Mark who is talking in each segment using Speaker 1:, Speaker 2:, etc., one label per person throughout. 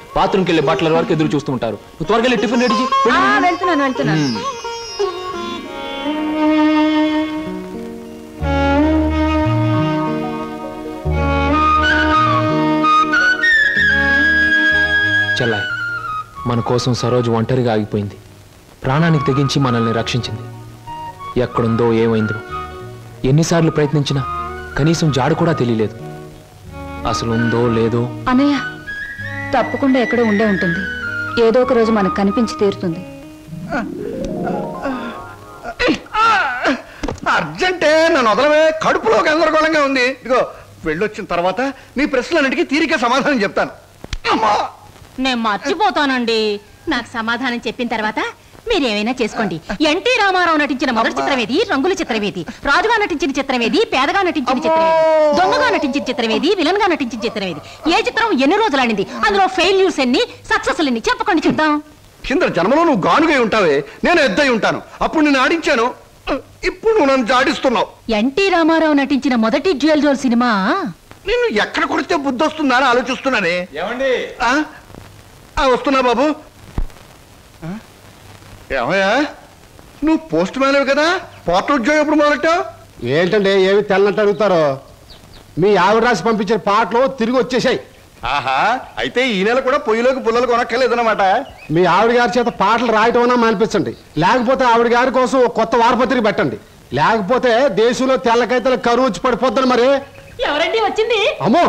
Speaker 1: బాత్రూమ్కి వెళ్ళే బట్టల వరకు ఎదురు చూస్తూ ఉంటారు. నువ్వు త్వరగా వెళ్ళి టిఫిన్ రెడీ చేయి.
Speaker 2: వెళ్తున్నాను.
Speaker 1: చెల్లాయి, మన కోసం సరోజు ఒంటరిగా ఆగిపోయింది. ప్రాణానికి తెగించి మనల్ని రక్షించింది. ఎక్కడుందో ఏమైందో ఎన్నిసార్లు ప్రయత్నించినా కనీసం జాడు కూడా తెలియలేదు. అసలు ఉందో లేదో.
Speaker 2: అన్నయ్య, తప్పకుండా ఎక్కడో ఉండే ఉంటుంది. ఏదో ఒక రోజు మనకు కనిపించి తీరుతుంది.
Speaker 3: అర్జెంటే నన్ను వదలవే, కడుపులో గందరగోళంగా ఉంది. ఇదిగో వెళ్ళొచ్చిన తర్వాత నీ ప్రశ్నలన్నిటికీ తీరిక సమాధానం చెప్తాను.
Speaker 4: నేను మర్చిపోతానండి. నాకు సమాధానం చెప్పిన తర్వాత మీరేమైనా చేసుకోండి. ఎన్టీ రామారావు నటించిన మొదటి చిత్రమేది, రంగుల చిత్రమేది, రాజుగా నటించిన చిత్రమేది, పేదగా నటించిన చిత్రమేది, దొంగగా నటించిన చిత్రమేది, విలన్ గా నటించిన చిత్రమేది, ఏ చిత్రం ఎన్ని రోజులు ఆడింది, అందులో ఫెయిల్యూర్స్ ఎన్ని, సక్సెస్ ఎన్ని చెప్పకండి చూద్దాం.
Speaker 3: కింద జన్మలో నువ్వు గానుగై ఉంటావే, నేను ఎద్దై ఉంటాను. అప్పుడు నేను ఆడించాను, ఇప్పుడు నువ్వు నన్ను జాడిస్తున్నావు.
Speaker 4: ఎన్టీ రామారావు నటించిన మొదటి జ్యువెల్ జోల్ సినిమా
Speaker 3: నిన్ను ఎక్కడ కొడితే బుద్ధి వస్తుందా అని ఆలోచిస్తున్నానే.
Speaker 1: ఏమండి?
Speaker 3: వస్తున్నా బాబు. ఏమయ్యా, నువ్వు పోస్ట్ మ్యాన్ కదా, పోర్ట్ ఉద్యోగం ఎప్పుడు మొదలెట్టావు?
Speaker 5: ఏంటంటే ఏమి తెల్లంటే అడుగుతారో. మీ ఆవిడ రాసి పంపించిన పాటలు తిరిగి వచ్చేసాయి.
Speaker 3: ఆహా, అయితే ఈ నెల కూడా పొయ్యిలోకి పుల్లలు కొనక్కర్లేదన్నమాట.
Speaker 5: మీ ఆవిడ గారి చేత పాటలు రాయటం అన్నా మానిపించండి. లేకపోతే ఆవిడ గారి కోసం ఒక కొత్త వారపత్రిక పెట్టండి. లేకపోతే దేశంలో తెల్లకైతే కరువు వచ్చి పడిపోద్దని. మరి
Speaker 4: ఎవరండి వచ్చింది?
Speaker 5: అమ్మో,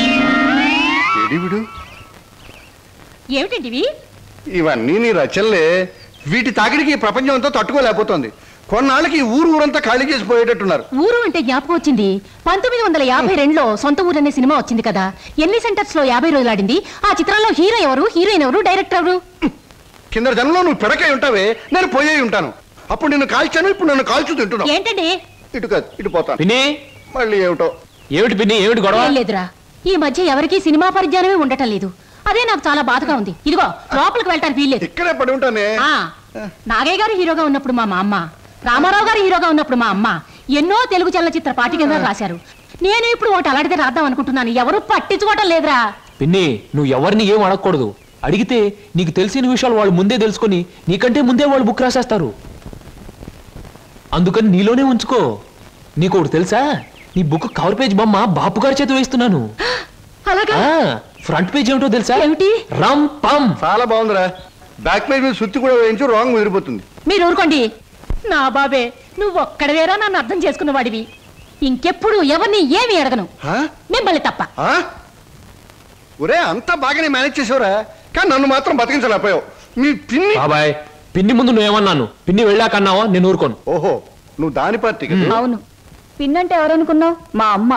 Speaker 4: ఏమిటండి
Speaker 3: ఇవన్నీ నీ రచనలే. వీటి తాకిడికి ఈ ప్రపంచం అంతా తట్టుకోలేకపోతుంది. కొన్నాళ్ళకి ఊరంతా ఖాళీ చేసి పోయేటట్టున్నారు.
Speaker 4: ఊరు అంటే జ్ఞాపకం వచ్చింది. 1952లో సొంత ఊరు అనే సినిమా వచ్చింది కదా. ఎన్ని సెంటర్స్ లో 50 రోజులు ఆడింది. ఆ చిత్రంలో హీరో ఎవరు, హీరోయిన్ ఎవరు, డైరెక్టర్ ఎవరు?
Speaker 3: కింద జనంలో నువ్వు పిడకై ఉంటావే, నేను పోయే ఉంటాను. అప్పుడు నిన్ను కాల్చాను, ఇప్పుడు నన్ను కాల్చు తింటున్నావు.
Speaker 4: ఏంటండి?
Speaker 3: ఇటు కాదు, ఇటు పోతాను.
Speaker 1: పిన్ని,
Speaker 3: మళ్ళీ ఏమిటో.
Speaker 1: ఏమిటి పిన్ని, ఏమిటి గొడవ?
Speaker 4: లేదురా, ఈ మధ్య ఎవరికి సినిమా పరిజ్ఞానమే ఉండటం లేదు. అదే నాకు చాలా బాధగా ఉంది. ఇదిగో లోపలికి వెళ్ళటానికి వీల్లేదు.
Speaker 3: ఇక్కడే పడి ఉంటానే.
Speaker 4: నాగయ్య గారు హీరోగా ఉన్నప్పుడు మా అమ్మ, రామారావు గారు హీరోగా ఉన్నప్పుడు మా అమ్మ ఎన్నో తెలుగు చలనచిత్ర పాఠ్యగ్రంథాలు రాశారు. నేను ఇప్పుడు ఒకటి అలాంటిదే రాద్దాం అనుకుంటున్నాను. ఎవరు పట్టించుకోవటం లేదురా.
Speaker 1: పిన్ని, నువ్వు ఎవరిని ఏం అడగకూడదు. అడిగితే నీకు తెలిసిన విషయాలు వాళ్ళు ముందే తెలుసుకొని నీకంటే ముందే వాళ్ళు బుక్ రాసేస్తారు. అందుకని నీలోనే ఉంచుకో. నీకు ఒకటి తెలుసా, నీ బుక్ కవర్ పేజ్ బొమ్మ బాపు గారి చేత వేస్తున్నాను. ఫ్రంట్ పేజ్ ఏమిటో తెలుసా?
Speaker 4: ఏమిటి?
Speaker 1: రమ్ పం.
Speaker 3: చాలా బాగుందిరా. బ్యాక్ పేజ్ మీద సుత్తి కూడా వేయించు, రాంగ్ ముదిరిపోతుంది.
Speaker 4: మీరు ఊరుకోండి. నా బాబే, నువ్వు ఒక్కడవేరా నన్ను అర్థం చేసుకున్న వాడివి. ఇంకెప్పుడు ఎవరిని ఏమి అడగను, మిమ్మల్ని తప్ప.
Speaker 3: ఒరే, అంతా బాగానే మేనేజ్ చేసావురా, కానీ నన్ను మాత్రం బతికించలేకపోయావు. మీ పిన్ని.
Speaker 1: బాబాయ్, పిన్ని ముందు నువ్వేమన్నాను, పిన్ని వెళ్ళాకన్నావా? నేను ఊరుకోను.
Speaker 3: ఓహో, నువ్వు దాని పార్టీ కదా.
Speaker 2: అవును, పిన్నంటే ఎవరనుకున్నావు? మా అమ్మ.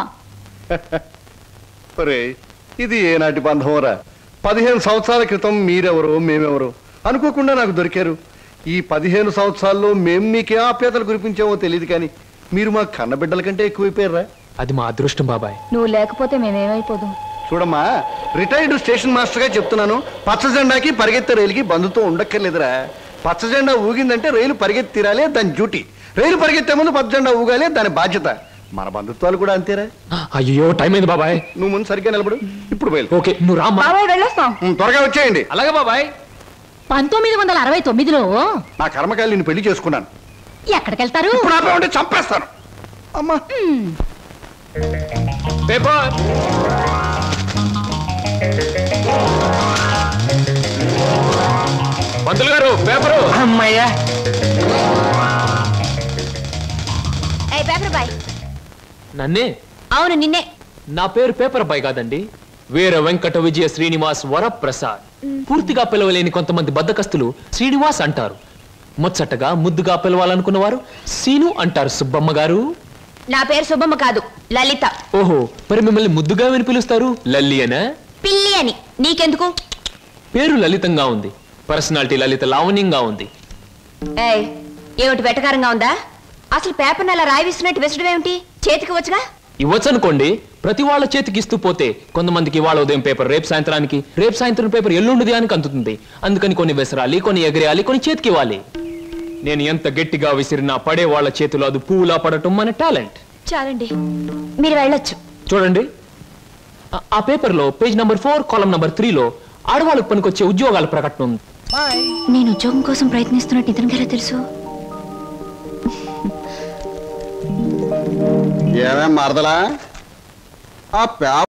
Speaker 3: ఒరే, ఇది ఏనాటి బంధమోరా. 15 సంవత్సరాల క్రితం మీరెవరో మేమెవరో అనుకోకుండా నాకు దొరికారు. ఈ 15 సంవత్సరాల్లో మేము మీకే ఆప్యాతలు కురిపించామో తెలియదు, కానీ మీరు మా కన్నబిడ్డల కంటే ఎక్కువైపోయారా.
Speaker 1: అది మా అదృష్టం బాబాయ్.
Speaker 2: నువ్వు లేకపోతే మేమేమైపోదు.
Speaker 3: చూడమ్మా, రిటైర్డ్ స్టేషన్ మాస్టర్ గా చెప్తున్నాను, పచ్చ జెండాకి పరిగెత్తే రైలుకి బంధుతో ఉండక్కర్లేదురా. పచ్చ జెండా ఊగిందంటే రైలు పరిగెత్తి తీరాలే దాని డ్యూటీ. రైలు పరిగెత్తే ముందు పచ్చ జెండా ఊగాలే దాని బాధ్యత. మన బంధుత్వాలు కూడా అంతేరా.
Speaker 1: అయ్యో, టైం అయింది బాబాయ్.
Speaker 3: నువ్వు ముందు సరిగ్గా నిలబడు. ఇప్పుడు బయలు.
Speaker 1: ఓకే, నువ్వు రామ్మా.
Speaker 2: వెళ్ళొస్తాం.
Speaker 3: త్వరగా వచ్చేయండి.
Speaker 1: అలాగే బాబాయ్.
Speaker 4: 1969లో
Speaker 3: నా కర్మకాయలు నేను పెళ్లి చేసుకున్నాను.
Speaker 4: ఎక్కడికెళ్తారు?
Speaker 3: ఇప్పుడు ఆపే ఉంటే చంపేస్తాను. అమ్మా,
Speaker 1: పేపర్. పంతులు గారు, పేపరు.
Speaker 6: అమ్మయ్యా.
Speaker 1: నన్నే?
Speaker 4: అవును, నిన్నే.
Speaker 1: నా పేరు పేపర్ బాయ్ కాదండి, వీర వెంకట విజయ శ్రీనివాస్ వరప్రసాద్. పూర్తిగా పిలవలేని కొంతమంది బద్దకస్తులు శ్రీనివాస్ అంటారు. ముచ్చటగా ముద్దుగా పిలవాలనుకున్న వారు సీను అంటారు. సుబ్బమ్మ గారు.
Speaker 4: నా పేరు సుబ్బమ్మ కాదు, లలిత.
Speaker 1: ఓహో, మరి మిమ్మల్ని ముద్దుగా విని పిలుస్తారు లల్లి అనా?
Speaker 4: పిల్లి అని. నీకెందుకు?
Speaker 1: పేరు లలితంగా ఉంది, పర్సనాలిటీ లలిత లావణ్యంగా ఉంది.
Speaker 4: ఏమిటి వెటకారంగా ఉందా? అసలు పేపర్ అలా రాయిస్తున్నట్టు విసడం ఏమిటి? చేతికి వచ్చుగా.
Speaker 1: ఇవ్వచ్చనుకోండి, ప్రతి వాళ్ళ చేతికి ఇస్తూ పోతే కొంతమందికి వాళ్ళ ఉదయం పేపర్ రేపు సాయంత్రానికి, రేపు సాయంత్రం పేపర్ ఎల్లుండి అని అందుతుంది. అందుకని కొన్ని విసరాలి, కొన్ని ఎగరేయాలి, కొన్ని చేతికి ఇవ్వాలి. నేను ఎంత గట్టిగా విసిరినా పడే వాళ్ళ చేతిలో అది పువ్వులా పడటం మన టాలెంట్.
Speaker 4: చాలండి, మీరు వెళ్ళొచ్చు.
Speaker 1: చూడండి, ఆ పేపర్లో పేజ్ నంబర్ 4 కాలం నంబర్ 3లో ఆడవాళ్ళకు పనికొచ్చే ఉద్యోగాల ప్రకటన ఉంది.
Speaker 2: నేను ఉద్యోగం కోసం ప్రయత్నిస్తున్నట్టు ఇతనికి ఎలా తెలుసు?
Speaker 3: ఏమే మరదలా ఆ